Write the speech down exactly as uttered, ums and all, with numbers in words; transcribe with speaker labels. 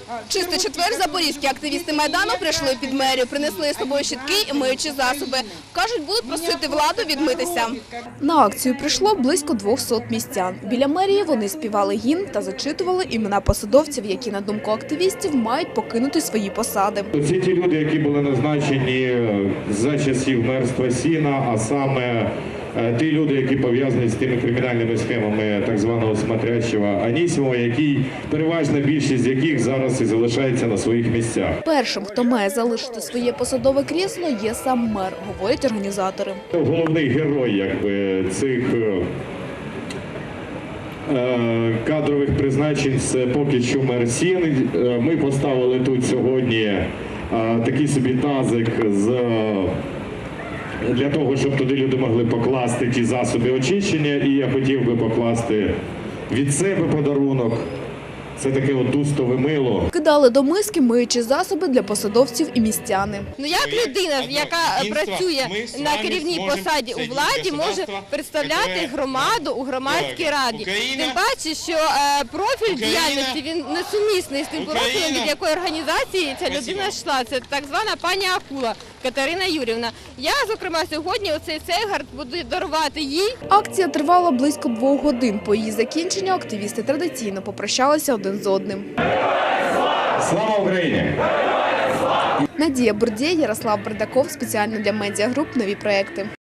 Speaker 1: Чистий четвер запорізькі активісти Майдану прийшли під мерію, принесли з собою щітки і миючі засоби. Кажуть, будуть просити владу відмитися. На акцію прийшло близько двохсот містян. Біля мерії вони співали гімн та зачитували імена посадовців, які, на думку активістів, мають покинути свої посади.
Speaker 2: Це ті люди, які були назначені за часів мерства Сіна, а саме ті люди, які пов'язані з тими кримінальними схемами так званого смотрящого Анісімова, який, переважна більшість з яких зараз і залишається на своїх місцях. Першим,
Speaker 1: хто має залишити своє посадове крісло, є сам мер, говорять організатори.
Speaker 2: Головний герой якби, цих кадрових призначень – це поки що мер Сін. Ми поставили тут сьогодні такий собі тазик з... для того, щоб туди люди могли покласти ті засоби очищення, і я хотів би покласти від себе подарунок. Це таке от дустове мило.
Speaker 1: Кидали до миски миючі засоби для посадовців і містяни.
Speaker 3: Ну як людина, яка працює на керівній посаді у владі, може представляти громаду у громадській раді? Тим паче, що профіль діяльності він несумісний з тим профілем, від якої організації ця людина йшла. Це так звана пані Акула Катерина Юрівна. Я, зокрема, сьогодні оцей цейгард буду дарувати їй.
Speaker 1: Акція тривала близько двох годин. По її закінченню активісти традиційно попрощалися один з одним.
Speaker 2: Слава Україні!
Speaker 1: Надія Бурдєй, Ярослав Бардаков. Спеціально для медіагруп «Нові проекти».